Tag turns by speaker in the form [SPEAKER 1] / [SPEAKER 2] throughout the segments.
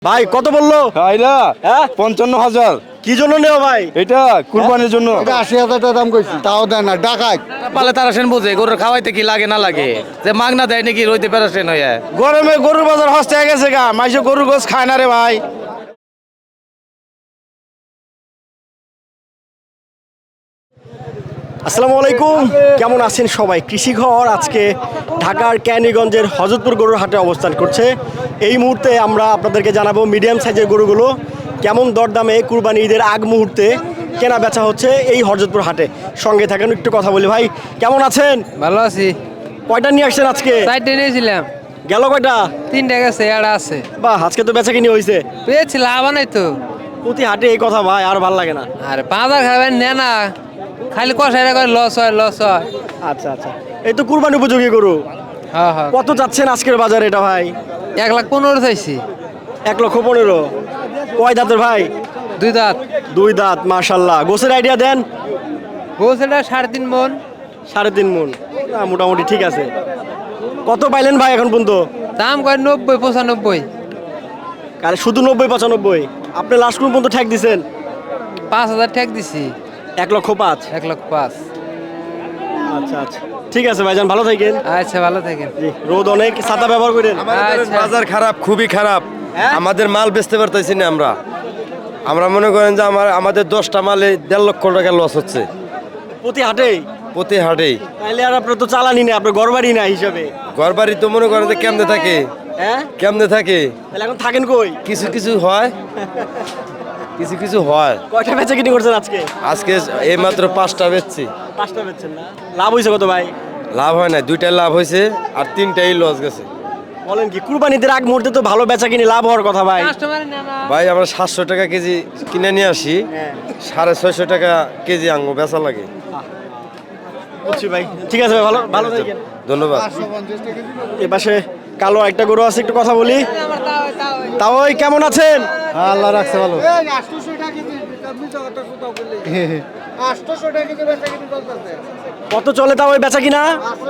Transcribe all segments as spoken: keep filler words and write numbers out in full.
[SPEAKER 1] ভাই কত বললো?
[SPEAKER 2] আইলা
[SPEAKER 1] হ্যাঁ
[SPEAKER 2] পঞ্চান্ন হাজার।
[SPEAKER 1] কি জন্য নেও ভাই?
[SPEAKER 2] এটা কুরবানির জন্য।
[SPEAKER 3] এটা আশি হাজার টাকা দাম কইছি, তাও দেয় না, ডাকাত।
[SPEAKER 4] পালে তারা সেন বোঝে গরুর খাওয়াইতে কি লাগে না লাগে, যে মাগনা দেয় নাকি রইতে পেরেছেন হয়ে।
[SPEAKER 2] গরমে গরুর বাজার হস্তে গেছে গা, মাইসে গরুর গোস খায় না রে ভাই।
[SPEAKER 1] আসসালামু আলাইকুম, কেমন আছেন সবাই? কৃষি ঘর আজকে ঢাকার ক্যানিগঞ্জের হযরতপুর গরুর হাটে অবস্থান করছে। এই মুহূর্তে আমরা আপনাদেরকে জানাবো মিডিয়াম সাইজের গরুগুলো কেমন দরদামে কুরবানি ঈদের আগ মুহূর্তে কেনা বেচা হচ্ছে এই হযরতপুর হাটে। সঙ্গে থাকেন, একটু কথা বলি। ভাই কেমন আছেন?
[SPEAKER 5] ভালো আছি।
[SPEAKER 1] কয়টা নিয়ে আসছেন আজকে?
[SPEAKER 5] চারটে নিয়েছিলাম,
[SPEAKER 1] গেল কয়টা?
[SPEAKER 5] তিনটা গেছে, একটা আছে।
[SPEAKER 1] বাহ, আজকে তো বেচা কিনি হয়েছে।
[SPEAKER 5] পেয়েছি, লাভ নাই তো।
[SPEAKER 1] প্রতি হাটে এই কথা ভাই, আর ভালো লাগে না।
[SPEAKER 5] আর বাজার খাবেন নে না, খালি কষাইরা করে লস হয় লস হয়।
[SPEAKER 1] আচ্ছা আচ্ছা, এই তো কুরবানি উপযোগী গরু।
[SPEAKER 5] হ্যাঁ হ্যাঁ,
[SPEAKER 1] কত যাচ্ছেন আজকের বাজারে এটা ভাই?
[SPEAKER 5] এক লাখ পনেরো চাইছি।
[SPEAKER 1] এক লক্ষ পনেরো। কয় দাঁতের ভাই?
[SPEAKER 5] দুই দাঁত।
[SPEAKER 1] দুই দাঁত, মাশাল্লাহ। গোছের আইডিয়া দেন।
[SPEAKER 5] গোছেটা সাড়ে তিন মন।
[SPEAKER 1] সাড়ে তিন মন, না, মোটামুটি ঠিক আছে। কত পাইলেন ভাই এখন পর্যন্ত?
[SPEAKER 5] দাম করে নব্বই পঁচানব্বই।
[SPEAKER 1] আরে শুধু নব্বই পঁচানব্বই? আপনি লাস্ট কোন পর্যন্ত ঠেক দিছেন?
[SPEAKER 5] পাঁচ হাজার ঠেক দিছি।
[SPEAKER 1] এক লক্ষ পাঁচ।
[SPEAKER 5] এক লক্ষ পাঁচ।
[SPEAKER 1] আচ্ছা আচ্ছা, ঠিক আছে ভাইজান, ভালো থাকেন।
[SPEAKER 5] আচ্ছা, ভালো থাকেন।
[SPEAKER 1] জি, রোদ অনেক, ছাতা ব্যবহার করেন।
[SPEAKER 5] আচ্ছা।
[SPEAKER 2] বাজার খারাপ, খুবই খারাপ।
[SPEAKER 1] হ্যাঁ?
[SPEAKER 2] আমাদের মাল বেচতে পারতেছি না আমরা। আমরা মনে করেন যে আমার আমাদের দশটা মালে দেড় লক্ষ টাকা লস হচ্ছে
[SPEAKER 1] প্রতি হাটেই?
[SPEAKER 2] প্রতি হাটেই।
[SPEAKER 1] তাইলে আর আপনার তো চালানি না, আপনার ঘরবাড়ি না হিসাবে।
[SPEAKER 2] ঘর বাড়ি তো মনে করেন যে কেমনে থাকে,
[SPEAKER 1] হ্যাঁ,
[SPEAKER 2] কেমনে থাকে।
[SPEAKER 1] তাহলে এখন থাকেন কই?
[SPEAKER 2] কিছু কিছু হয়, কিছু কিছু হয়।
[SPEAKER 1] কয়টা বেচা কিনি করছেন আজকে?
[SPEAKER 2] আজকে এই মাত্র পাঁচটা বেচছি।
[SPEAKER 1] পাঁচটা বেচছেন না? লাভ হয়েছে কত ভাই?
[SPEAKER 2] লাভ হয় না, দুইটাই লাভ হয়েছে আর তিনটাই লস গেছে।
[SPEAKER 1] বলেন কি, কুরবানিদের আগ মুহূর্তে তো ভালো বেচা কিনি, লাভ হওয়ার কথা ভাই।
[SPEAKER 5] কাস্টমার নে না।
[SPEAKER 2] ভাই আমরা সাতশো টাকা কেজি কিনে নিয়ে আসি,
[SPEAKER 1] হ্যাঁ,
[SPEAKER 2] সাড়ে ছয়শো টাকা কেজি আঙ্গো বেচা লাগে।
[SPEAKER 1] বুঝছি ভাই, ঠিক আছে ভাই, ভালো ভালো থাকেন।
[SPEAKER 2] ধন্যবাদ।
[SPEAKER 1] এ পাশে কালো একটা গরু আছে, একটু কথা বলি। তাও ওই কেমন আছেন?
[SPEAKER 3] আল্লাহ রাখছে ভালো।
[SPEAKER 1] কত চলে তাও ওই বেচা কিনা?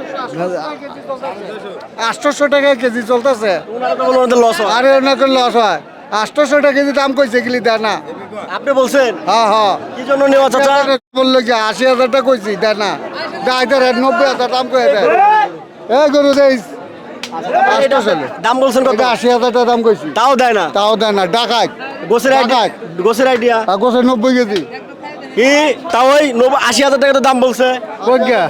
[SPEAKER 3] আটশোশো টাকা কেজি চলতেছে।
[SPEAKER 1] ওনারা তো বললো ওদের লস হয়।
[SPEAKER 3] আরে ওনাকে লস হয়। আটশোশো টাকা কেজি দাম কইছে গেলি দেয় না।
[SPEAKER 1] আপনি বলছেন
[SPEAKER 3] হ্যাঁ হ্যাঁ,
[SPEAKER 1] কি জন্য নেওয়া চাচা?
[SPEAKER 3] বললো কি আশি হাজার টাকা কইছি, দেয় না। দেয় দেয় নব্বই হাজার দাম কয়ে দেয়। এ গরু দেয় আটশোশো।
[SPEAKER 1] দাম বলছেন কত?
[SPEAKER 3] এটা আশি হাজার টাকা দাম কইছি,
[SPEAKER 1] তাও দেয় না।
[SPEAKER 3] তাও দেয় না, ডাকাত।
[SPEAKER 1] গোছের আইডিয়া, গোছের আইডিয়া
[SPEAKER 3] গোছে নব্বই কেজি।
[SPEAKER 1] কি তাও ওই নব্বই আশি হাজার টাকা তো দাম বলছে।
[SPEAKER 3] প্রজ্ঞা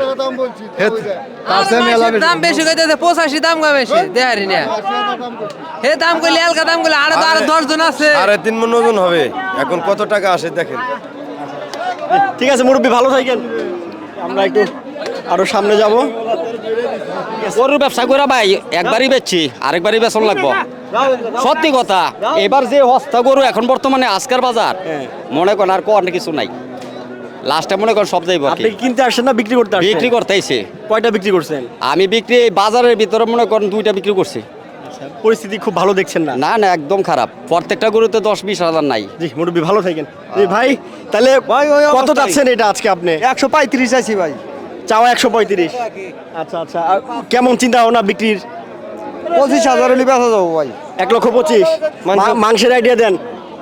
[SPEAKER 5] দাম বেশি কইতেছে, পঁচাশি দাম কম বেশি দেহারি না। হে দাম কইলে এলকা দাম কইলে আরো তো আরো দশ জন আছে।
[SPEAKER 2] সাড়ে তিন মন ওজন হবে। এখন কত টাকা আসে দেখেন।
[SPEAKER 1] ঠিক আছে মুরব্বী, ভালো থাকেন। আমরা একটু আরো সামনে যাব।
[SPEAKER 6] গরুর ব্যবসা করে ভাই একবারই বেচছি, আরেকবারই বেচন লাগবো। সত্যি কথা, এবার যে হস্তা গরু এখন বর্তমানে আজকের বাজার,
[SPEAKER 1] হ্যাঁ।
[SPEAKER 6] মনে করেন আর কোন কিছু নাই। লাস্টে মনে করেন সব যাইব আর
[SPEAKER 1] আপনি
[SPEAKER 6] কি।
[SPEAKER 1] কি কিনতে আসছেন না বিক্রি করতে আসছেন?
[SPEAKER 6] বিক্রি করতে আইছে।
[SPEAKER 1] কয়টা বিক্রি করছেন?
[SPEAKER 6] আমি বিক্রি এই বাজারের ভিতরে মনে করেন দুইটা বিক্রি করছি।
[SPEAKER 1] পরিস্থিতি খুব ভালো দেখছেন না?
[SPEAKER 6] না না, একদম খারাপ। প্রত্যেকটা গরুতে দশ বিশ হাজার নাই।
[SPEAKER 1] জি মুরব্বী, ভালো থাকেন। জি ভাই, তাহলে কত যাচ্ছেন এটা আজকে আপনি?
[SPEAKER 3] একশো পঁয়ত্রিশ আছি ভাই।
[SPEAKER 1] চাওয়া একশো পঁয়ত্রিশ। আচ্ছা আচ্ছা, আর কেমন চিন্তা ভাবনা বিক্রির?
[SPEAKER 3] পঁচিশ হাজার হলে বেচা যাবো ভাই।
[SPEAKER 1] এক লক্ষ পঁচিশ। মা- মাংসের আইডিয়া দেন।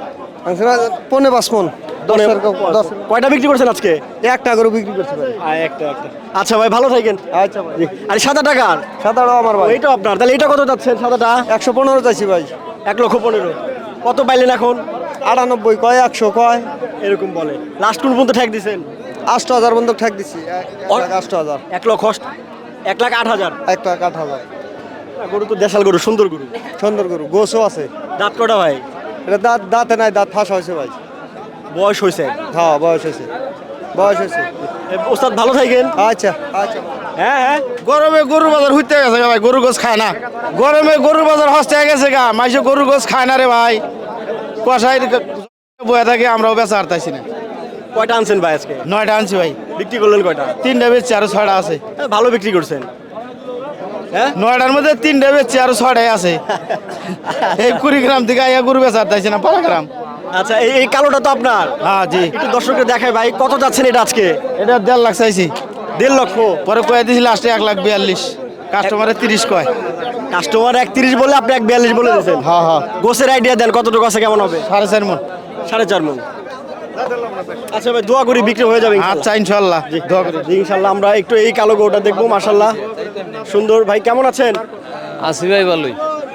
[SPEAKER 3] পনেরো পাঁচ মন। দশ দশ
[SPEAKER 1] কয়টা বিক্রি করছেন আজকে?
[SPEAKER 3] একটা করে বিক্রি করতে পারি।
[SPEAKER 1] একটা একটা। আচ্ছা ভাই, ভালো থাকেন।
[SPEAKER 3] আচ্ছা ভাই,
[SPEAKER 1] আর সাদা টাকার
[SPEAKER 3] সাতারো আমার ভাই।
[SPEAKER 1] এইটা আপনার, তাহলে এটা কত যাচ্ছেন সাদাটা?
[SPEAKER 3] একশো পনেরো চাইছি ভাই।
[SPEAKER 1] এক লক্ষ পনেরো। কত পাইলেন এখন?
[SPEAKER 3] আটানব্বই কয়, একশো কয়,
[SPEAKER 1] এরকম বলে। লাস্ট কোন পর্যন্ত ঠেক দিছেন?
[SPEAKER 3] আষ্ট হাজার বন্ধক ঠেক দিচ্ছি। আষ্ট হাজার,
[SPEAKER 1] এক লক্ষ অষ্ট- এক লাখ আট হাজার।
[SPEAKER 3] এক লাখ আট হাজার।
[SPEAKER 1] গরু তো দেশাল গরু, সুন্দর গরু।
[SPEAKER 3] সুন্দর গরু, গোছও আছে।
[SPEAKER 1] দাঁত কটা ভাই?
[SPEAKER 3] এটা দাঁত দাঁতে নাই, দাঁত ফাঁসা হয়েছে ভাই।
[SPEAKER 1] বয়স হয়েছে?
[SPEAKER 3] হ্যাঁ বয়স হয়েছে, বয়স হয়েছে।
[SPEAKER 1] এ, ওস্তাদ ভালো থাকেন।
[SPEAKER 3] আচ্ছা আচ্ছা।
[SPEAKER 1] হ্যাঁ হ্যাঁ,
[SPEAKER 2] গরমে গরুর বাজার হইতে গেছে গা ভাই, গরুর গোস খায় না। গরমে গরুর বাজার হস্তে গেছে গা, মাইসে গরুর গোস খায় না রে ভাই। কষাই বয়ে থাকে, আমরাও বেচা হারতাইছি না।
[SPEAKER 1] কয়টা আনছেন ভাই আজকে?
[SPEAKER 2] নয়টা আনছি ভাই,
[SPEAKER 1] বিক্রি করলেন কয়টা?
[SPEAKER 2] তিনটা বেচছি আরো ছয়টা আছে।
[SPEAKER 1] হ্যাঁ, ভালো বিক্রি করছেন। হ্যাঁ,
[SPEAKER 2] নয়টার মধ্যে তিনটা বেচছি আরো ছয়টাই আছে। এই কুড়িগ্রাম থেকে আইয়া গরু বেচা হারতাইছি না, পাড়াগ্রাম।
[SPEAKER 1] আচ্ছা, এই এই কালোটা তো আপনার?
[SPEAKER 2] হ্যাঁ জি।
[SPEAKER 1] একটু দর্শককে দেখাই ভাই, কত যাচ্ছেন এটা আজকে?
[SPEAKER 2] এটা দেড় লাখ চাইছি,
[SPEAKER 1] দেড় লক্ষ।
[SPEAKER 2] পরে কয়ে দিয়েছি লাস্টে এক লাখ বিয়াল্লিশ, কাস্টমারে তিরিশ কয়।
[SPEAKER 1] কাস্টমার একত্রিশ বলে আপনি এক বিয়াল্লিশ বলে দিয়েছেন।
[SPEAKER 2] হ্যাঁ হ্যাঁ
[SPEAKER 1] গোসের আইডিয়া দেন কতটুকু আছে, কেমন হবে?
[SPEAKER 2] সাড়ে চার মন।
[SPEAKER 1] সাড়ে চার মন। আচ্ছা ভাই, দোয়া করি বিক্রি হয়ে যাবে ইনশাল্লাহ।
[SPEAKER 2] আচ্ছা ইনশাল্লাহ দোয়া করি।
[SPEAKER 1] জি, ইনশাল্লাহ। আমরা একটু এই কালো গরুটা দেখবো, মাশাল্লাহ সুন্দর। ভাই কেমন আছেন?
[SPEAKER 4] আসি ভাই ভালোই।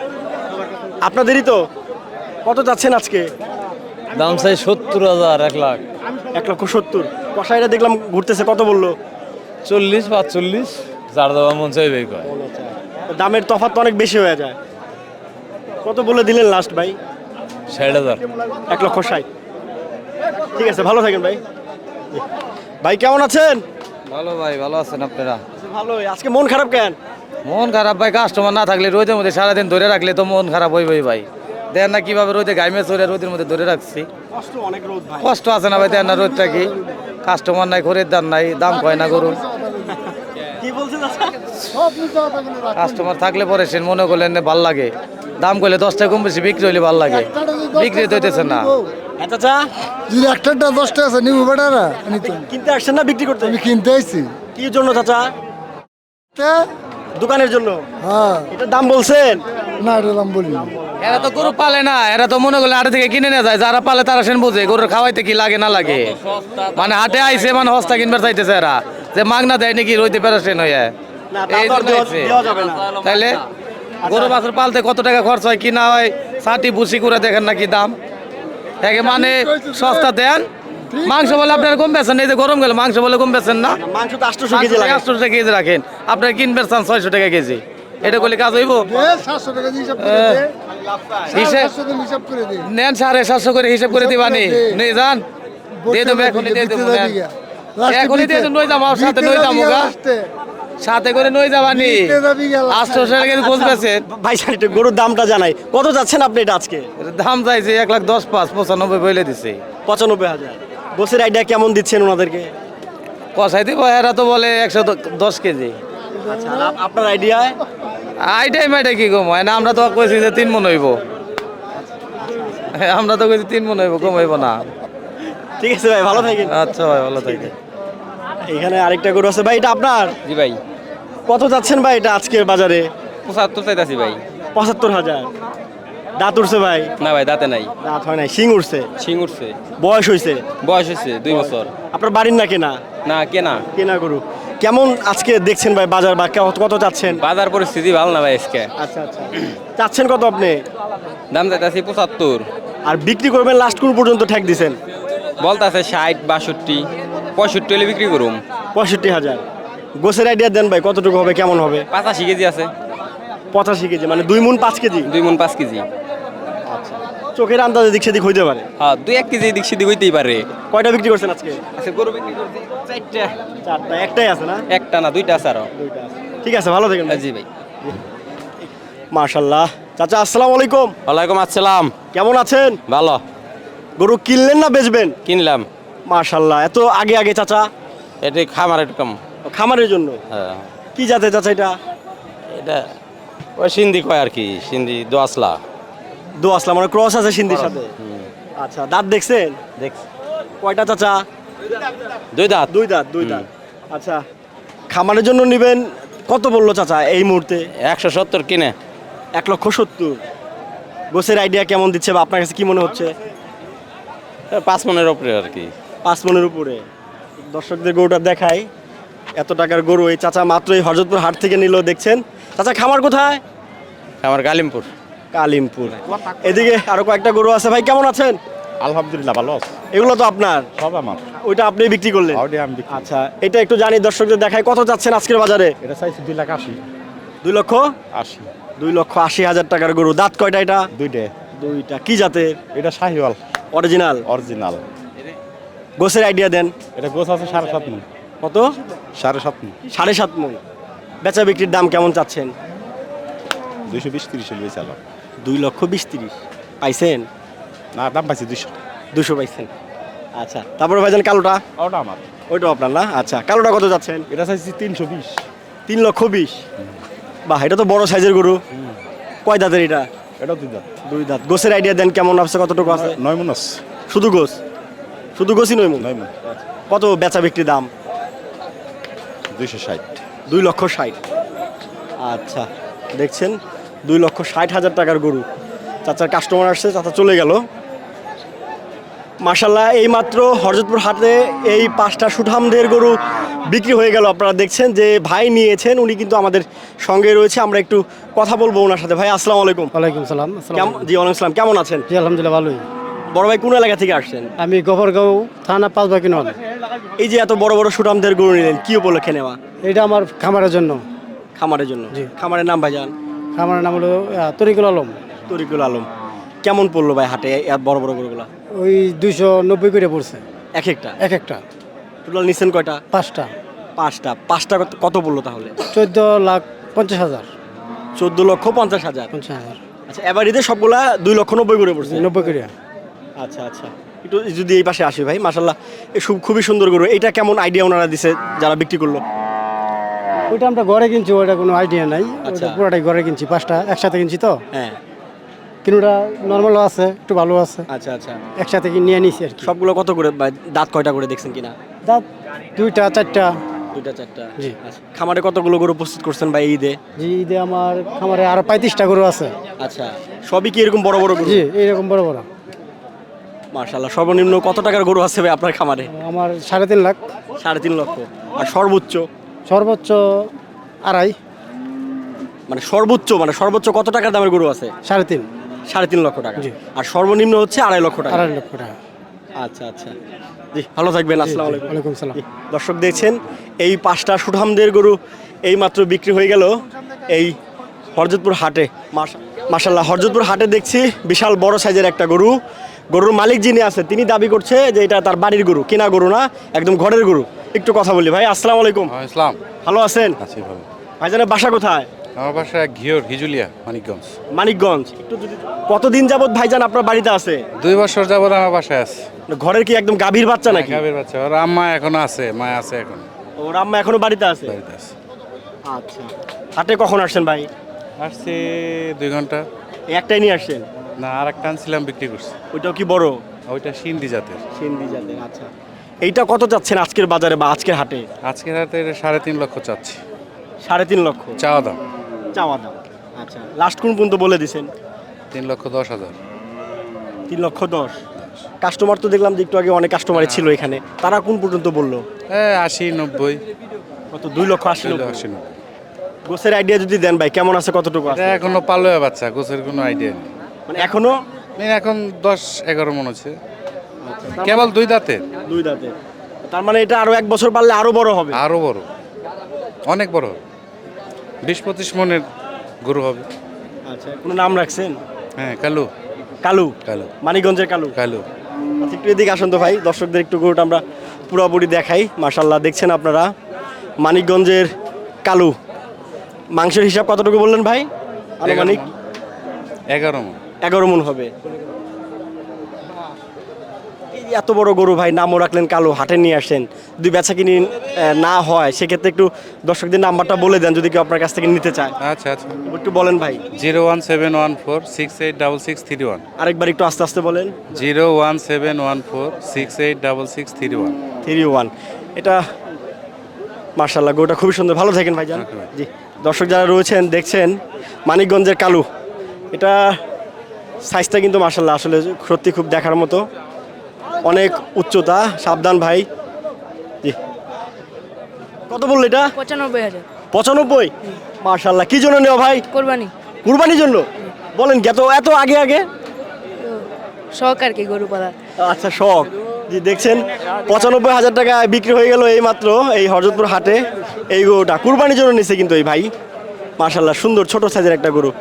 [SPEAKER 1] আপনাদেরই তো? কত যাচ্ছেন আজকে?
[SPEAKER 4] দাম চাই সত্তর হাজার এক লাখ
[SPEAKER 1] এক লক্ষ সত্তর। কষাইটা দেখলাম ঘুরতেছে, কত বললো?
[SPEAKER 4] চল্লিশ পাঁচচল্লিশ যার দেওয়া মন চাইবে কয়।
[SPEAKER 1] দামের তফাৎ তো অনেক বেশি হয়ে যায়। কত বলে দিলেন লাস্ট ভাই?
[SPEAKER 4] ষাট হাজার।
[SPEAKER 1] এক লক্ষ ষাট। ঠিক আছে, ভালো থাকেন ভাই। জি। ভাই কেমন আছেন?
[SPEAKER 4] ভালো ভাই, ভালো আছেন আপনারা?
[SPEAKER 1] ভালোই। আজকে মন খারাপ কেন?
[SPEAKER 4] মন খারাপ ভাই, কাস্টমার না থাকলে রোদের মধ্যে সারাদিন ধরে রাখলে তো মন খারাপ হইবই ভাই। দেন না কিভাবে রোদে গাইমে চড়ে রোদের মধ্যে ধরে রাখছি।
[SPEAKER 1] কষ্ট অনেক রোদ ভাই।
[SPEAKER 4] কষ্ট আছে না ভাই, দেন না রোদটা কি। কাস্টমার নাই, খরিদ্দার দাম নাই, দাম কয় না গরু।
[SPEAKER 1] কি বলছেন আচ্ছা?
[SPEAKER 4] কাস্টমার থাকলে পরে সে মনে করলেন ভাল লাগে, দাম করলে দশ টাকা কম বেশি বিক্রি হইলে ভাল লাগে, বিক্রি তো হইতেছে না।
[SPEAKER 1] আচ্ছা আচ্ছা,
[SPEAKER 3] যদি একটা দশটা আছে নিবো বেটারা নিতাম।
[SPEAKER 1] কিনতে আসছেন না বিক্রি করতে?
[SPEAKER 3] আমি কিনতে আইছি।
[SPEAKER 1] কি জন্য চাচা?
[SPEAKER 3] তা?
[SPEAKER 1] দোকানের জন্য?
[SPEAKER 3] হ্যাঁ,
[SPEAKER 1] এটার দাম বলছেন?
[SPEAKER 3] না এটা দাম বলি।
[SPEAKER 4] এরা তো গরু পালে না, এরা তো মনে করলে হাটে থেকে কিনে নিয়ে যায়। যারা পালে তারা সেন বোঝে গরুর খাওয়াইতে কি লাগে না লাগে। মানে হাটে আইছে মানে হস্তা কিনবার চাইতেছে এরা, যে মাগনা দেয় নাকি রইতে প্যারাসেন হয়ে।
[SPEAKER 1] না, তা
[SPEAKER 4] এই
[SPEAKER 1] তো আর
[SPEAKER 4] জন্য
[SPEAKER 1] দেওয়া-
[SPEAKER 4] আইছে।
[SPEAKER 1] দেওয়া যাবে না।
[SPEAKER 4] তাইলে গরু বাছুর পালতে কত টাকা খরচ হয় কি না হয়, ছাটি বুসি করে দেখেন নাকি দাম। একে মানে সস্তা দেন, মাংস বলে আপনারা কম বেছেন, এই যে গরম গেলে মাংস বলে কম বেছেন না।
[SPEAKER 1] মাংস তো আটশোশো কেজি লাগে।
[SPEAKER 4] আটশো টাকা কেজি রাখেন, আপনারা কিনবেন চান ছয়শো টাকা কেজি। এটা করলে কাজ হইব?
[SPEAKER 3] সাতশো টাকা দিয়ে হিসাব করে দে।
[SPEAKER 4] হিসেব
[SPEAKER 3] সাতশো টাকা হিসাব করে দে।
[SPEAKER 4] নেন সাড়ে সাতশো করে হিসাব করে দিবানি। নিয়ে যান, দিয়ে দেবো এখনই, দিয়ে দেবো নেন। এখনই দিয়ে দেবো, নই যাবো আমার সাথে, নই যাবো গা সাথে করে নই যাবানি। আটশো টাকা কেজি গোছ বেছেন,
[SPEAKER 1] ভাই জান, একটু গরুর দামটা জানাই, কত যাচ্ছেন আপনি এটা আজকে?
[SPEAKER 4] দাম চাইছে এক লাখ দশ পাঁচ পঁচানব্বই বলে দিছে।
[SPEAKER 1] পঁচানব্বই হাজার। গোসের আইডিয়া কেমন দিচ্ছেন ওনাদেরকে?
[SPEAKER 4] কষাই দিব, এরা তো বলে একশো দশ কেজি।
[SPEAKER 1] আচ্ছা, আর আপ- আপনার আইডিয়ায়?
[SPEAKER 4] আইটাই মাইটা কি কম হয় না, আমরা তো কইছি যে তিন মন হইব। হ্যাঁ, আমরা তো কইছি তিন মন হইব, কম হইব না।
[SPEAKER 1] ঠিক আছে ভাই, ভালো থাকেন।
[SPEAKER 4] আচ্ছা ভাই, ভালো থাকে।
[SPEAKER 1] এখানে আরেকটা গরু আছে ভাই, এটা আপনার?
[SPEAKER 6] জি ভাই,
[SPEAKER 1] কত যাচ্ছেন ভাই এটা আজকের বাজারে?
[SPEAKER 6] পঁচাত্তর চাইতাছি ভাই।
[SPEAKER 1] পঁচাত্তর হাজার। দাঁত উঠছে ভাই?
[SPEAKER 6] না ভাই, দাঁতে নাই,
[SPEAKER 1] দাঁত হয় নাই, শিং উঠছে।
[SPEAKER 6] শিং উঠছে,
[SPEAKER 1] বয়স হয়েছে?
[SPEAKER 6] বয়স হয়েছে দুই বছর।
[SPEAKER 1] আপনার বাড়ির না কেনা?
[SPEAKER 6] না কেনা।
[SPEAKER 1] কেনা গরু। কেমন আজকে দেখছেন ভাই বাজার, বা কে- কত চাচ্ছেন?
[SPEAKER 6] বাজার পরিস্থিতি ভালো না ভাই আজকে।
[SPEAKER 1] আচ্ছা আচ্ছা, চাচ্ছেন কত আপনি?
[SPEAKER 6] দাম চাইতাছি পঁচাত্তর,
[SPEAKER 1] আর বিক্রি করবেন লাস্ট কোন পর্যন্ত ঠেক দিছেন?
[SPEAKER 6] বলতাছে ষাট বাষট্টি পঁয়ষট্টি হলে বিক্রি করুম।
[SPEAKER 1] পঁয়ষট্টি হাজার। গোসের আইডিয়া দেন ভাই, কতটুকু হবে, কেমন হবে?
[SPEAKER 6] পঁচাশি কেজি আছে,
[SPEAKER 1] পঁচাশি কেজি, মানে দুই মুন পাঁচ কেজি।
[SPEAKER 6] দুই মন পাঁচ কেজি।
[SPEAKER 1] চোখের আন্দাজে দিক সেদিক হইতে পারে।
[SPEAKER 6] হ্যাঁ, দুই এক কেজি এদিক সেদিক হইতেই পারে।
[SPEAKER 1] কয়টা বিক্রি করছেন আজকে?
[SPEAKER 6] আচ্ছা, গরু বিক্রি করছি চারটা।
[SPEAKER 1] চারটা, একটাই আছে না?
[SPEAKER 6] একটা না, দুইটা আছে আরো।
[SPEAKER 1] দুইটা আছে। ঠিক আছে, ভালো থাকেন ভাই।
[SPEAKER 6] জি ভাই।
[SPEAKER 1] মাশাল্লাহ। চাচা আসসালামু আলাইকুম,
[SPEAKER 6] ওয়ালাইকুম আসসালাম।
[SPEAKER 1] কেমন আছেন?
[SPEAKER 6] ভালো।
[SPEAKER 1] গরু কিনলেন না বেচবেন?
[SPEAKER 6] কিনলাম।
[SPEAKER 1] মাশাল্লাহ, এত আগে আগে চাচা?
[SPEAKER 6] এটা খামার এরকম।
[SPEAKER 1] খামারের জন্য?
[SPEAKER 6] হ্যাঁ,
[SPEAKER 1] কি জাতে চাচা এটা?
[SPEAKER 6] এটা ওই সিন্ধি কয় আর কি, সিন্ধি দোয়াশলা।
[SPEAKER 1] দো আসলাম, মানে ক্রস আছে সিন্ধির সাথে। আচ্ছা, দাঁত দেখছেন?
[SPEAKER 6] দেখছি
[SPEAKER 1] কয়টা চাচা?
[SPEAKER 6] দুই দাঁত।
[SPEAKER 1] দুই দাঁত, দুই দাঁত। আচ্ছা, খামারের জন্য নেবেন, কত বললো চাচা এই মুহূর্তে?
[SPEAKER 6] একশো সত্তর কিনে।
[SPEAKER 1] এক লক্ষ সত্তর। গোসের আইডিয়া কেমন দিচ্ছে, বা আপনার কাছে কি মনে হচ্ছে?
[SPEAKER 6] পাঁচ মনের ওপরে আর কি।
[SPEAKER 1] পাঁচ মনের উপরে। দর্শকদের গরুটা দেখাই, এত টাকার গরু এই চাচা মাত্র এই হরজতপুর হাট থেকে নিল। দেখছেন চাচা, খামার কোথায়?
[SPEAKER 6] আমার গালিমপুর।
[SPEAKER 1] কালিমপুর। এদিকে আরো কয়েকটা গরু আছে। ভাই কেমন আছেন?
[SPEAKER 2] আলহামদুলিল্লাহ ভালো আছে,
[SPEAKER 1] এগুলো তো আপনার?
[SPEAKER 2] সব আমার।
[SPEAKER 1] ওইটা আপনি বিক্রি করলেন?
[SPEAKER 2] ওইটা আমি বিক্রি।
[SPEAKER 1] আচ্ছা, এটা একটু জানি দর্শকদের দেখাই, কত যাচ্ছেন আজকের বাজারে?
[SPEAKER 2] এটা চাইছি দুই লাখ আশি।
[SPEAKER 1] দুই লক্ষ
[SPEAKER 2] আশি।
[SPEAKER 1] দুই লক্ষ আশি হাজার টাকার গরু। দাঁত কয়টা এটা?
[SPEAKER 2] দুইটা।
[SPEAKER 1] দুইটা। কি জাতের?
[SPEAKER 2] এটা শাহিওয়াল
[SPEAKER 1] অরিজিনাল?
[SPEAKER 2] অরিজিনাল।
[SPEAKER 1] গোসের আইডিয়া দেন।
[SPEAKER 2] এটা গোছ আছে সাড়ে সাত মন।
[SPEAKER 1] কত?
[SPEAKER 2] সাড়ে সাত মন।
[SPEAKER 1] সাড়ে সাত মন। বেচা বিক্রির দাম কেমন চাচ্ছেন?
[SPEAKER 2] দুইশো বিশ তিরিশ হলে চালাম।
[SPEAKER 1] দুই লক্ষ বিশ তিরিশ পাইছেন?
[SPEAKER 2] না, দাম পাইছি দুইশো।
[SPEAKER 1] দুশো পাইছেন। আচ্ছা, তারপরে ভাইজান কালোটা?
[SPEAKER 2] ওটা আমার।
[SPEAKER 1] ওইটাও আপনার না? আচ্ছা, কালোটা কত যাচ্ছেন?
[SPEAKER 2] এটা চাইছি তিনশো বিশ।
[SPEAKER 1] তিন লক্ষ বিশ। বাহ, এটা তো বড় সাইজের গরু। কয় দাঁতের এটা?
[SPEAKER 2] এটাও দুই দাঁত।
[SPEAKER 1] দুই দাঁত। গোসের আইডিয়া দেন, কেমন আছে, কতটুকু আছে?
[SPEAKER 2] নয় মন আছে।
[SPEAKER 1] শুধু গোস? শুধু গোসই নয় মন?
[SPEAKER 2] নয় মন।
[SPEAKER 1] কত বেচা বিক্রি দাম?
[SPEAKER 2] দুইশো ষাট।
[SPEAKER 1] দুই লক্ষ ষাট। আচ্ছা, দেখছেন দুই লক্ষ ষাট হাজার টাকার গরু। চাচার কাস্টমার আসছে, চাচা চলে গেল। মাশাল্লাহ এইমাত্র হরজতপুর হাটে এই পাঁচটা সুঠামদের গরু বিক্রি হয়ে গেল। আপনারা দেখছেন যে ভাই নিয়েছেন, উনি কিন্তু আমাদের সঙ্গে রয়েছে। আমরা একটু কথা বলবো ওনার সাথে। ভাই আসসালামু আলাইকুম।
[SPEAKER 7] ওয়ালাইকুম সালাম।
[SPEAKER 1] কেমন জি ওয়ালাইকুম আসসালাম, কেমন আছেন?
[SPEAKER 7] জি আলহামদুলিল্লাহ ভালোই।
[SPEAKER 1] বড় ভাই কোন এলাকা থেকে আসছেন?
[SPEAKER 7] আমি গোবরগাঁও থানা পাঁচ বাকি নল।
[SPEAKER 1] এই যে এত বড় বড় সুঠামদের গরু নিলেন, কি উপলক্ষে নেওয়া?
[SPEAKER 7] এটা আমার খামারের জন্য।
[SPEAKER 1] খামারের জন্য?
[SPEAKER 7] জি।
[SPEAKER 1] খামারের নাম ভাইজান?
[SPEAKER 7] খামারের নাম হলো আহ, তরিকুল আলম।
[SPEAKER 1] তরিকুল আলম। কেমন পড়লো ভাই হাটে এত বড় বড় গরুগুলা?
[SPEAKER 7] ওই দুইশো নব্বই করে পড়ছে
[SPEAKER 1] এক একটা?
[SPEAKER 7] এক একটা।
[SPEAKER 1] টোটাল নিছেন কয়টা?
[SPEAKER 7] পাঁচটা।
[SPEAKER 1] পাঁচটা। পাঁচটা কত- কত পড়লো তাহলে?
[SPEAKER 7] চোদ্দ লাখ পঞ্চাশ হাজার।
[SPEAKER 1] চোদ্দ লক্ষ পঞ্চাশ হাজার।
[SPEAKER 7] পঞ্চাশ হাজার
[SPEAKER 1] আচ্ছা, এবার ঈদে সবগুলা দুই লক্ষ নব্বই করে পড়ছে।
[SPEAKER 7] নব্বই করে।
[SPEAKER 1] আচ্ছা আচ্ছা, একটু যদি এই পাশে আসি ভাই। মাশাল্লাহ এই সব খুবই সুন্দর গরু। এটা কেমন আইডিয়া ওনারা দিছে যারা বিক্রি করলো?
[SPEAKER 7] ওইটা আমরা ঘরে কিনছি, ওইটা কোনো আইডিয়া নাই।
[SPEAKER 1] আচ্ছা।
[SPEAKER 7] ওটা পুরোটাই ঘরে কিনছি, পাঁচটা একসাথে কিনছি তো।
[SPEAKER 1] হ্যাঁ।
[SPEAKER 7] কিনুটা নর্মালও আছে, একটু ভালো আছে,
[SPEAKER 1] আচ্ছা আচ্ছা,
[SPEAKER 7] একসাথে কি নিয়ে নিছি আর কি।
[SPEAKER 1] সবগুলো কত করে ভাই? দাঁত কয়টা করে দেখছেন কিনা?
[SPEAKER 7] দাঁত দুইটা চারটা।
[SPEAKER 1] দুইটা চারটা।
[SPEAKER 7] জি।
[SPEAKER 1] আচ্ছা, খামারে কতগুলো গরু প্রস্তুত করছেন ভাই ঈদে?
[SPEAKER 7] জি ঈদে আমার খামারে আরো পঁয়ত্রিশটা গরু আছে।
[SPEAKER 1] আচ্ছা, সবই কি এরকম বড় বড় গরু?
[SPEAKER 7] জি এইরকম বড় বড়।
[SPEAKER 1] মাশাল্লাহ, সর্বনিম্ন কত টাকার গরু আছে ভাই আপনার খামারে?
[SPEAKER 7] আমার সাড়ে তিন লাখ।
[SPEAKER 1] সাড়ে তিন লক্ষ। আর সর্বোচ্চ?
[SPEAKER 7] সর্বোচ্চ আড়াই।
[SPEAKER 1] মানে সর্বোচ্চ মানে সর্বোচ্চ কত টাকার দামের গরু আছে?
[SPEAKER 7] সাড়ে তিন।
[SPEAKER 1] সাড়ে তিন লক্ষ টাকা।
[SPEAKER 7] জি।
[SPEAKER 1] আর সর্বনিম্ন হচ্ছে আড়াই লক্ষ টাকা।
[SPEAKER 7] আড়াই লক্ষ টাকা।
[SPEAKER 1] আচ্ছা আচ্ছা, জি ভালো থাকবেন। আসসালামু আলাইকুম।
[SPEAKER 7] ওয়ালাইকুম সালাম।
[SPEAKER 1] জি, দর্শক দেখছেন এই পাঁচটা সুঠামদের গরু এই মাত্র বিক্রি হয়ে গেল এই হরজতপুর হাটে। মাশা- মাশাল্লাহ, হরজতপুর হাটে দেখছি বিশাল বড় সাইজের একটা গরু। গরুর মালিক যিনি আছে তিনি দাবি করছে যে এটা তার বাড়ির গরু, কেনা গরু না, একদম ঘরের গরু। একটু কথা বলি ভাই। আসসালামু আলাইকুম।
[SPEAKER 8] ইসলাম
[SPEAKER 1] ভালো আছেন?
[SPEAKER 8] আছি ভালো।
[SPEAKER 1] ভাইজানের বাসা কোথায়?
[SPEAKER 8] আমার বাসা ঘিওর হিজুলিয়া মানিকগঞ্জ।
[SPEAKER 1] মানিকগঞ্জ। একটু যদি কতদিন যাবত ভাইজান আপনার বাড়িতে আছে?
[SPEAKER 8] দুই বছর যাবত আমার বাসায় আছে।
[SPEAKER 1] ঘরের কি একদম গাভীর বাচ্চা নাকি?
[SPEAKER 8] গাভীর বাচ্চা। ওর আম্মা এখনো আছে, মা আছে এখন
[SPEAKER 1] ওর আম্মা এখনো বাড়িতে আছে?
[SPEAKER 8] বাড়িতে আছে।
[SPEAKER 1] আচ্ছা, হাটে কখন আসছেন ভাই?
[SPEAKER 8] আসছে দুই ঘন্টা।
[SPEAKER 1] এই একটাই নিয়ে আসছেন?
[SPEAKER 8] না, আর একটা আনছিলাম, বিক্রি করছি।
[SPEAKER 1] ওইটাও কি বড়?
[SPEAKER 8] ওইটা সিন্ধি জাতের।
[SPEAKER 1] সিন্ধি জাতের। আচ্ছা, এইটা কত চাচ্ছেন আজকের বাজারে বা আজকের হাটে?
[SPEAKER 8] আজকের হাতে এটা সাড়ে তিন লক্ষ চাচ্ছি।
[SPEAKER 1] সাড়ে তিন লক্ষ
[SPEAKER 8] চাওয়া দাম
[SPEAKER 1] চাওয়া দাম। আচ্ছা, লাস্ট কোন পর্যন্ত বলে দিছেন?
[SPEAKER 8] তিন লক্ষ দশ হাজার।
[SPEAKER 1] তিন লক্ষ দশ। কাস্টমার তো দেখলাম যে একটু আগে অনেক কাস্টমারই ছিল এখানে, তারা কোন পর্যন্ত বললো?
[SPEAKER 8] হ্যাঁ, আশি নব্বই।
[SPEAKER 1] কত? দুই লক্ষ আশি
[SPEAKER 8] দুই লক্ষ
[SPEAKER 1] নব্বই।
[SPEAKER 8] আশি নব্বই।
[SPEAKER 1] গোছের আইডিয়া যদি দেন ভাই, কেমন আছে, কতটুকু আছে?
[SPEAKER 8] এটা এখনো পালোয়া বাচ্চা, গোছের কোনো আইডিয়া নেই।
[SPEAKER 1] মানে এখনো
[SPEAKER 8] মানে এখন দশ এগারো মন হচ্ছে, কেবল দুই দাঁতে।
[SPEAKER 1] দুই দাঁতে। তার মানে এটা আরো এক বছর পারলে আরো বড় হবে?
[SPEAKER 8] আরো বড়, অনেক বড় হবে। বিশ পঁচিশ মনের গরু হবে।
[SPEAKER 1] আচ্ছা, কোনো নাম রাখছেন?
[SPEAKER 8] হ্যাঁ, কালু।
[SPEAKER 1] কালু?
[SPEAKER 8] কালু।
[SPEAKER 1] মানিকগঞ্জের কালু?
[SPEAKER 8] কালু।
[SPEAKER 1] আচ্ছা, একটু এদিকে আসুন তো ভাই, দর্শকদের একটু গরুটা আমরা পুরোপুরি দেখাই। মাশাল্লাহ, দেখছেন আপনারা মানিকগঞ্জের কালু। মাংসের হিসাব কতটুকু বললেন ভাই? আনুমানিক
[SPEAKER 8] এগারো মন।
[SPEAKER 1] এগারো মন হবে। এই এত বড় গরু ভাই, নামও রাখলেন কালু, হাটে নিয়ে আসেন, যদি বেচা কিনি আহ, না হয় সেক্ষেত্রে একটু দর্শকদের নাম্বারটা বলে দেন যদি কেউ আপনার কাছ থেকে নিতে চায়।
[SPEAKER 8] আচ্ছা আচ্ছা,
[SPEAKER 1] একটু বলেন ভাই।
[SPEAKER 8] Zero one seven one four six eight double six three one.
[SPEAKER 1] আরেকবার একটু আস্তে আস্তে বলেন।
[SPEAKER 8] Zero one seven one four six eight double six three one.
[SPEAKER 1] Three one. এটা মার্শাল্লাহ, গরুটা খুবই সুন্দর। ভালো থাকেন ভাইজান।
[SPEAKER 8] Okay ভাই।
[SPEAKER 1] জি, দর্শক যারা রয়েছেন দেখছেন মানিকগঞ্জের কালু। এটা সাইজটা কিন্তু মার্শাল্লাহ আসলে সত্যি খুব দেখার মতো, অনেক উচ্চতা। সাবধান ভাই। জি, কত বললো এটা?
[SPEAKER 9] পঁচানব্বই হাজার।
[SPEAKER 1] পঁচানব্বই। মার্শাল্লাহ, কি জন্য নেওয়া ভাই?
[SPEAKER 9] কোরবানি
[SPEAKER 1] কুরবানির জন্য? বলেন কি এত এত আগে আগে?
[SPEAKER 9] শখ আর কি গরু পালা।
[SPEAKER 1] আচ্ছা, শখ। জি, দেখছেন পঁচানব্বই হাজার টাকা বিক্রি হয়ে গেল এই মাত্র এই হরজতপুর হাটে। এই গরুটা কুরবানির জন্য নিছে কিন্তু এই ভাই। মাশাল্লাহ, সুন্দর ছোট সাইজের একটা গরু।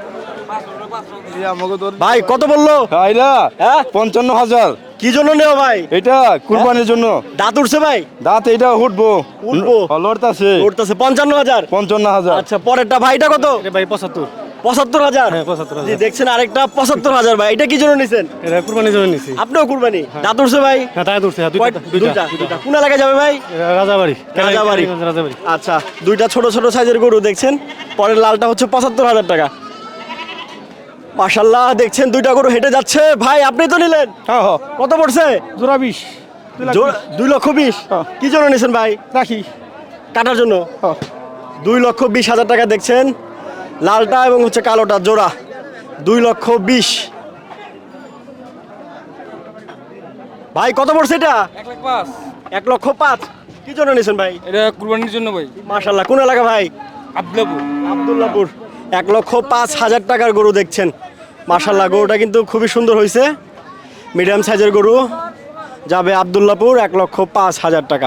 [SPEAKER 1] ভাই কত বললো? হ্যাঁ,
[SPEAKER 2] পঞ্চান্ন হাজার।
[SPEAKER 1] কি জন্য নেওয়া ভাই?
[SPEAKER 2] এটা কুরবানির জন্য।
[SPEAKER 1] দাঁত উঠছে ভাই?
[SPEAKER 2] দাঁত এটা উঠবো।
[SPEAKER 1] উঠবো?
[SPEAKER 2] লড়তাছে।
[SPEAKER 1] উঠতেছে পঞ্চান্ন হাজার।
[SPEAKER 2] পঞ্চান্ন হাজার।
[SPEAKER 1] আচ্ছা, পরেরটা ভাইটা কত?
[SPEAKER 7] ভাই পঁচাত্তর।
[SPEAKER 1] পঁচাত্তর হাজার।
[SPEAKER 7] পঁচাত্তর
[SPEAKER 1] জি, দেখছেন আরেকটা পঁচাত্তর হাজার ভাই। এটা কি জন্য নিছেন?
[SPEAKER 7] এটা কুরবানির জন্য নিছি।
[SPEAKER 1] আপনিও কুরবানি? দাঁত উঠছে ভাই?
[SPEAKER 7] হ্যাঁ তাই দূরছে।
[SPEAKER 1] কয়টা? দুইটা। দুইটা। কোন এলাকায় যাবে ভাই?
[SPEAKER 7] রাজাবাড়ি।
[SPEAKER 1] রাজাবাড়ি।
[SPEAKER 7] রাজাবাড়ি।
[SPEAKER 1] আচ্ছা, দুইটা ছোট ছোট সাইজের গরু দেখছেন। পরের লালটা হচ্ছে পঁচাত্তর হাজার টাকা। মাশাল্লাহ, দেখছেন দুইটা গরু হেঁটে যাচ্ছে। ভাই আপনি তো নিলেন? কত পড়ছে?
[SPEAKER 7] জোড়া বিশ।
[SPEAKER 1] জোড়া- দুই লক্ষ বিশ। কি জন্য নিছেন ভাই?
[SPEAKER 7] রাখি।
[SPEAKER 1] কাটার জন্য? দুই লক্ষ বিশ হাজার টাকা দেখছেন লালটা এবং হচ্ছে কালোটা জোড়া দুই লক্ষ বিশ। ভাই কত পড়ছে এটা?
[SPEAKER 4] এক লাখ পাঁচ।
[SPEAKER 1] এক লক্ষ পাঁচ। কি জন্য নিয়েছেন ভাই?
[SPEAKER 4] এটা কুরবানির জন্য ভাই।
[SPEAKER 1] মাশাল্লাহ, কোন এলাকা ভাই?
[SPEAKER 4] আব্দুল্লাপুর।
[SPEAKER 1] আব্দুল্লাপুর। এক লক্ষ পাঁচ হাজার টাকার গরু দেখছেন। মাশাল্লাহ, গরুটা কিন্তু খুবই সুন্দর হয়েছে। মিডিয়াম সাইজের গরু যাবে আব্দুল্লাপুর, এক লক্ষ পাঁচ হাজার টাকা।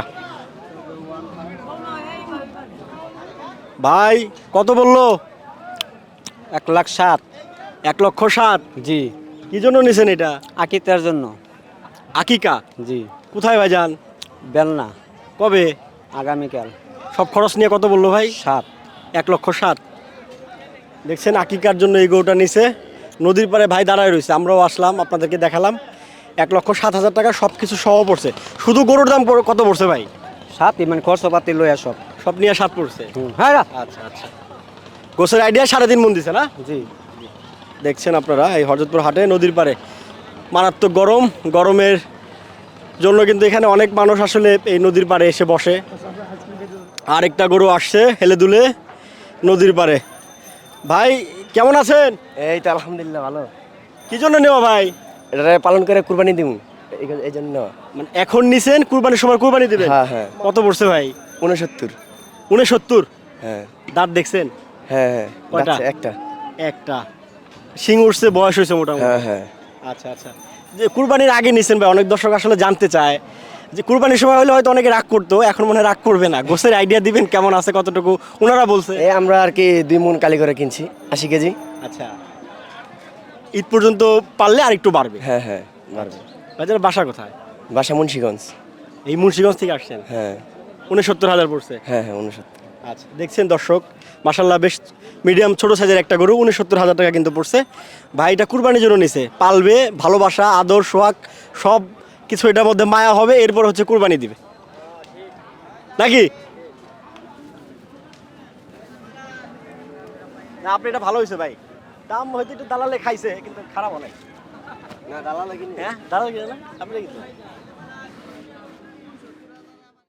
[SPEAKER 1] ভাই কত বললো?
[SPEAKER 7] এক লাখ সাত।
[SPEAKER 1] এক লক্ষ সাত।
[SPEAKER 7] জি।
[SPEAKER 1] কি জন্য নিছেন এটা?
[SPEAKER 7] আকিতার জন্য।
[SPEAKER 1] আকিকা?
[SPEAKER 7] জি।
[SPEAKER 1] কোথায় ভাই যান?
[SPEAKER 7] বেলনা।
[SPEAKER 1] কবে?
[SPEAKER 7] আগামীকাল।
[SPEAKER 1] সব খরচ নিয়ে কত বললো ভাই?
[SPEAKER 7] সাত।
[SPEAKER 1] এক লক্ষ সাত। দেখছেন আকিকার জন্য এই গরুটা নিছে। নদীর পাড়ে ভাই দাঁড়ায় রয়েছে, আমরাও আসলাম, আপনাদেরকে দেখালাম। এক লক্ষ সাত হাজার টাকা সব কিছু সহ পড়ছে। শুধু গরুর দাম পড়- কত পড়ছে ভাই?
[SPEAKER 7] সাত মানে খরচপাতি লইয়া সব।
[SPEAKER 1] সব নিয়ে সাত পড়ছে।
[SPEAKER 7] হ্যাঁ।
[SPEAKER 1] আচ্ছা আচ্ছা। গোছের আইডিয়া সাড়ে তিন মন দিছে না?
[SPEAKER 7] জি।
[SPEAKER 1] দেখছেন আপনারা এই হরজতপুর হাটে নদীর পাড়ে মারাত্মক গরম। গরমের জন্য কিন্তু এখানে অনেক মানুষ আসলে এই নদীর পাড়ে এসে বসে। আরেকটা গরু আসছে হেলে দুলে নদীর পাড়ে। ভাই কেমন আছেন?
[SPEAKER 10] এই তো আলহামদুলিল্লাহ ভালো।
[SPEAKER 1] কি জন্য নেওয়া ভাই?
[SPEAKER 10] এটা পালন করে কুরবানি দিব এই জন্য নেওয়া।
[SPEAKER 1] মানে এখন নিছেন, কুরবানির সময় কুরবানি দিবেন?
[SPEAKER 10] হ্যাঁ হ্যাঁ।
[SPEAKER 1] কত পড়ছে ভাই?
[SPEAKER 10] উনসত্তর।
[SPEAKER 1] উনসত্তর।
[SPEAKER 10] হ্যাঁ
[SPEAKER 1] দাঁত দেখছেন?
[SPEAKER 10] হ্যাঁ হ্যাঁ।
[SPEAKER 1] কয়টা?
[SPEAKER 10] বাচ্চা একটা।
[SPEAKER 1] একটা। শিং উঠছে, বয়স হয়েছে মোটামুটি।
[SPEAKER 10] হ্যাঁ হ্যাঁ।
[SPEAKER 1] আচ্ছা আচ্ছা। যে কুরবানির আগে নিছেন ভাই, অনেক দর্শক আসলে জানতে চায় যে কুরবানির সময় হলে হয়তো অনেকে রাগ করতো, এখন মনে হয় রাগ করবে না। গোছের আইডিয়া দিবেন কেমন আছে কতটুকু ওনারা বলছে?
[SPEAKER 10] এই আমরা আর কি দুই মন কালি করে কিনছি, আশি কেজি।
[SPEAKER 1] আচ্ছা, ঈদ পর্যন্ত পারলে আর একটু বাড়বে।
[SPEAKER 10] হ্যাঁ হ্যাঁ বাড়বে।
[SPEAKER 1] বাজার বাসা কোথায়?
[SPEAKER 10] বাসা মুন্সিগঞ্জ।
[SPEAKER 1] এই মুন্সিগঞ্জ থেকে আসছেন?
[SPEAKER 10] হ্যাঁ
[SPEAKER 1] উনসত্তর হাজার পড়ছে।
[SPEAKER 10] হ্যাঁ হ্যাঁ উনসত্তর।
[SPEAKER 1] আচ্ছা, দেখছেন দর্শক, মাশাল্লাহ বেশ মিডিয়াম ছোট সাইজের একটা গরু, উনসত্তর হাজার টাকা কিন্তু পড়ছে। ভাইটা কুরবানির জন্য নিছে, পালবে, ভালোবাসা আদর সোহাগ সব কিছু এটার মধ্যে মায়া হবে, এরপর হচ্ছে কুরবানি দিবে নাকি? না আপনি এটা ভালো হয়েছে ভাই, দাম হয়তো একটু দালালে খাইছে কিন্তু খারাপ অনেক।
[SPEAKER 10] না দালাল কিনে।
[SPEAKER 1] হ্যাঁ দালাল কিনে না আপনি কিনছেন?